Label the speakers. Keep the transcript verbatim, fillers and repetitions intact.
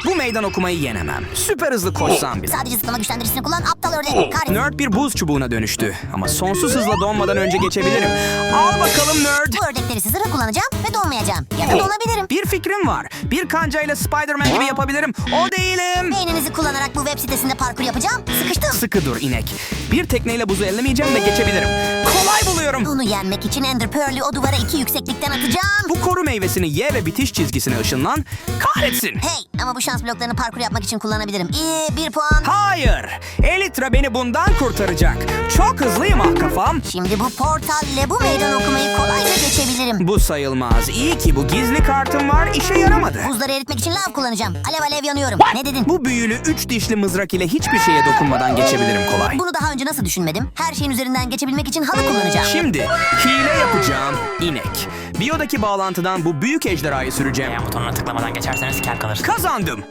Speaker 1: Bu meydan okumayı yenemem. Süper hızlı koşsam bile.
Speaker 2: Sadece zıplama güçlendiricisini kullan aptal ördek. Kahretsin.
Speaker 1: Nerd bir buz çubuğuna dönüştü. Ama sonsuz hızla donmadan önce geçebilirim. Al bakalım Nerd.
Speaker 2: Bu ördekleri zırh kullanacağım ve donmayacağım. Ya da donabilirim.
Speaker 1: Bir fikrim var. Bir kancayla Spider-Man gibi yapabilirim. O değilim.
Speaker 2: Beyninizi kullanarak bu web sitesinde parkur yapacağım. Sıkıştım.
Speaker 1: Sıkı dur inek. Bir tekneyle buzu ellemeyeceğim ve geçebilirim. Kolay buluyorum.
Speaker 2: Onu yenmek için Ender Pearl'ü o duvara iki yükseklikten atacağım.
Speaker 1: Bu koru meyvesini ye ve bitiş çizgisine ışınlan. Kahretsin.
Speaker 2: Hey, ama bu şans bloklarını parkur yapmak için kullanabilirim. İyi, bir puan.
Speaker 1: Hayır. Elytra beni bundan kurtaracak. Çok hızlıyım ah kafam.
Speaker 2: Şimdi bu portalle bu meydan okumayı kolayca geçebilirim.
Speaker 1: Bu sayılmaz. İyi ki bu gizli kartım var. İşe yaramadı.
Speaker 2: Buzları eritmek için lav kullanacağım. Alev alev yanıyorum. Ne dedin?
Speaker 1: Bu büyülü üç dişli mızrak ile hiçbir şeye dokunmadan geçebilirim kolay.
Speaker 2: Bunu daha önce nasıl düşünmedim? Her şeyin üzerinden geçebilmek için halı kullanacağım.
Speaker 1: Şimdi hile yapacağım inek. Biyodaki bağlantıdan bu büyük ejderhayı süreceğim.
Speaker 3: Beğen butonuna tıklamadan geçerseniz kel kalırsınız.
Speaker 1: Kazandım.